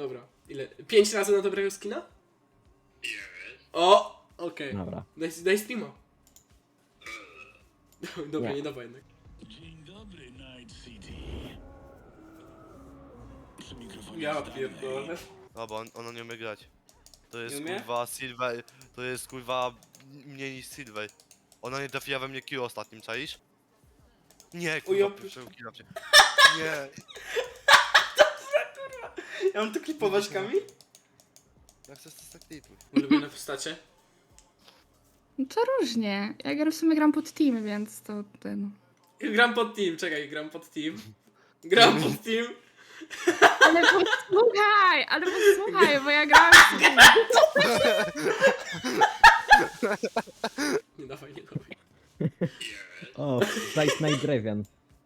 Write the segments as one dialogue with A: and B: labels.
A: dobra. Ile? 5 razy na dobrego skina? O! Okej.
B: Dobra.
A: Daj streama. Dobra,
B: Nie.
A: nie dawa jednak.
C: Dzień dobry, Night City. Przy mikrofonie
A: Ja
C: Stanley.
A: pierdolę.
D: No bo ona nie umie grać. To jest
A: Nie umie?
D: kurwa Silver, to jest kurwa mniej niż Silver. Ona nie trafiła we mnie kill ostatnim, czaisz? Nie, kurwa,
A: ja
D: pierwszego killa mnie. Nie.
A: Ja mam tu klipować, Kamil?
D: Jak chcesz to tak klipuj.
A: Ulubione postacie?
E: No to różnie. Ja w sumie gram pod teamy, więc to ten.
A: Gram pod team, czekaj, gram pod team. Gram pod team.
E: Ale posłuchaj, bo ja grałam z team.
A: Nie dawaj, nie dawaj.
B: O, Flight Night Draven.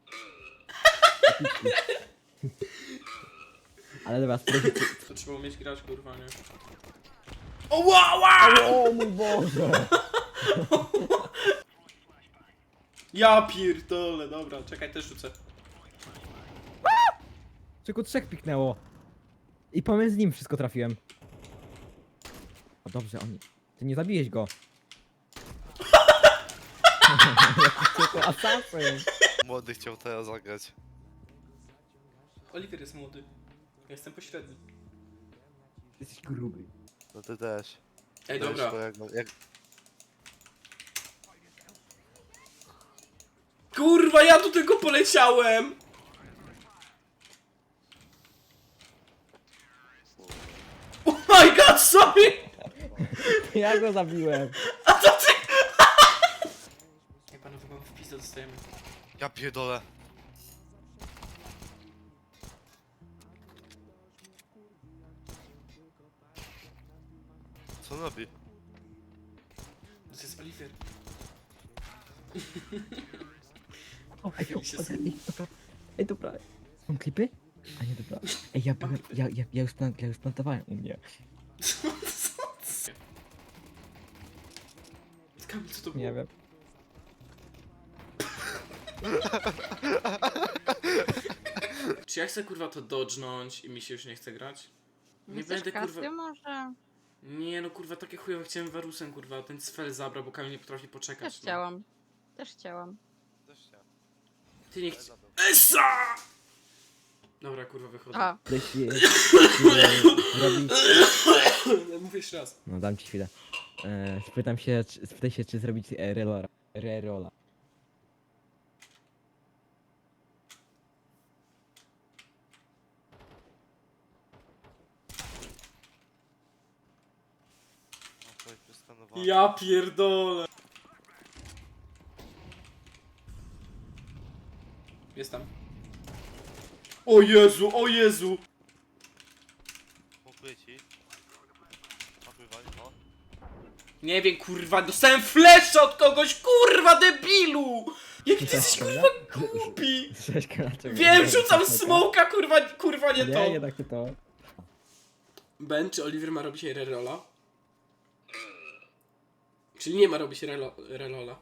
B: Ale dobra, spróbuj.
A: To trzeba umieć grać, kurwa, nie? O, wow, wow!
B: O mój Boże!
A: Ja pierdolę, dobra, czekaj, też rzucę.
B: Tylko 3 piknęło. I pomiędzy nim wszystko trafiłem. O dobrze, oni. Ty nie zabiłeś go. Jaki to asasyn.
D: Młody chciał teraz zagrać.
A: Oliver jest młody. Ja jestem pośredni.
B: Jesteś gruby.
D: No ty też.
A: Ej,
D: Też
A: dobra.
D: to jak...
A: Kurwa, ja tu tylko poleciałem! Oh my god, sorry!
B: Ja go zabiłem.
A: A to ty! Ej, panowie, mam w pizdę dostajemy.
D: Ja pierdolę. Co on robi?
A: To jest Oliver.
B: O, ej,
A: Chwili się
B: dobra. Ej, dobra. Są klipy? A nie, dobra. Ej, ja już plantowałem u mnie.
A: Co? Kamil, co to było?
B: Nie wiem.
A: Czy ja chcę kurwa to dodżnąć i mi się już nie chce grać? Nie
F: Chcesz
A: będę kurwa...
F: kasy może?
A: Nie no kurwa, takie chujowe chciałem Warusem kurwa, ten sfel zabrał, bo Kamil nie potrafi poczekać.
F: Też
A: no.
F: chciałam. Też chciałam.
D: Też chciałem.
A: Ty nie chcesz... Essa! Dobra kurwa, wychodzę.
F: A,
B: Jeśli zrobić...
A: Mówię jeszcze raz.
B: No, dam ci chwilę. Spytaj się, czy zrobić rerola.
D: No, to jest przeskanowane.
A: Ja pierdolę. Jest tam. O Jezu, o Jezu!
D: Pokryj ci. Napływaj, no.
A: Nie wiem kurwa, dostałem flesza od kogoś, kurwa debilu! Jaki ty jesteś kurwa głupi! Wiem, rzucam smoka, kurwa nie to.
B: Nie, jednak nie to.
A: Ben, czy Oliver ma robić rerola? Czyli nie ma robić rerola.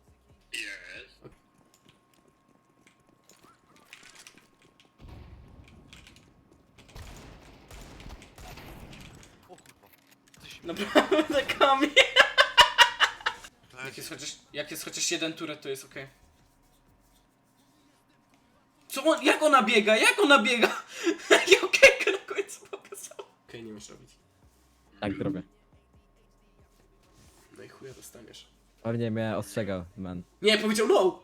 D: O kurwa.
A: Naprawdę, Kamil.
D: Weź.
A: Jak jest chociaż jeden turet, to jest okej. Co on, jak ona biega? Jak ona biega? Jak okejkę na końcu pokazał. Okej, nie masz robić.
B: Tak zrobię.
A: No i chuja dostaniesz.
B: Pewnie mnie ostrzegał, man.
A: Nie, powiedział no!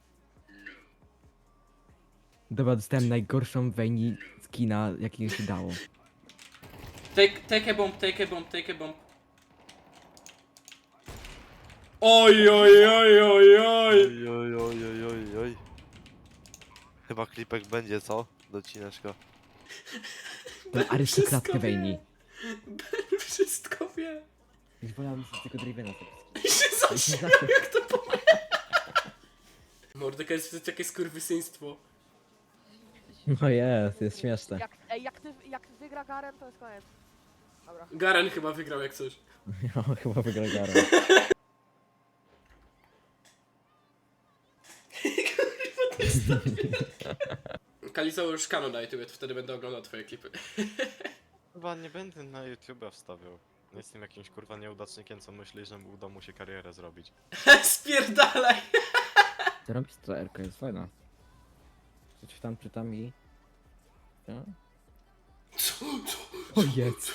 B: Dobra, dostałem najgorszą Vayne skina, jakiego się dało.
A: Take a bomb, take a bomb, take a bomb. Oj, oj, oj, oj, oj.
D: Oj, oj, oj, oj, oj, oj. Chyba klipek będzie, co? Docineczka.
B: Tą arystokratkę
A: Wszystko wie.
B: Vayne.
A: Ben wszystko wie.
B: Już wolałem sobie tylko Dravena
A: I się zaśmiał, jak to powie. Mordeka jest takie skurwysyństwo.
B: No jest śmieszne.
G: Jak wygra Garen, to jest koniec. Dobra.
A: Garen chyba wygrał jak coś.
B: Ja chyba wygrał Garo.
A: Kalizo już kano na YouTube, wtedy będę oglądał twoje klipy.
H: kurwa nie będę na YouTube'a wstawiał. Nie jestem jakimś kurwa nieudacznikiem, co myśli, że uda mu się karierę zrobić.
A: Spierdalaj!
B: Co robisz ta RK jest fajna. Coś tam czytam i... Co? O jest!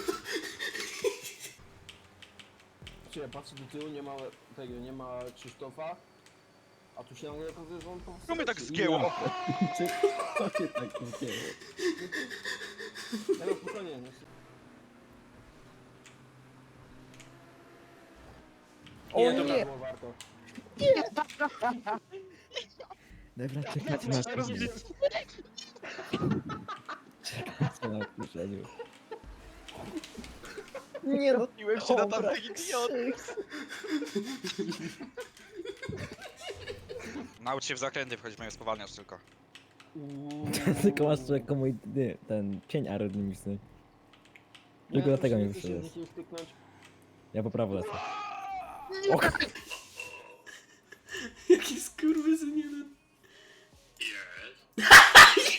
I: Ja patrzę do tyłu, nie ma tego, nie ma Krzysztofa. A tu się nagle okazuje, że on po prostu...
J: Co mnie tak zgięło?
B: Co się tak dzieje?
I: Ja spokojnie, nie?
A: Nie, dobra.
I: Było warto.
B: Dobra, czekać na chwilę. Czekać na chwilę. Nie
J: Piłem się na tamtych idiot. Naucz się w zakręty wchodzić, mają spowalniasz tylko.
B: Tylko masz tu jako mój, nie, ten cień aerodynamiczny. Tylko dlatego mnie wyszedłeś. Ja po prawo lecę.
A: Jaki skurwysyn.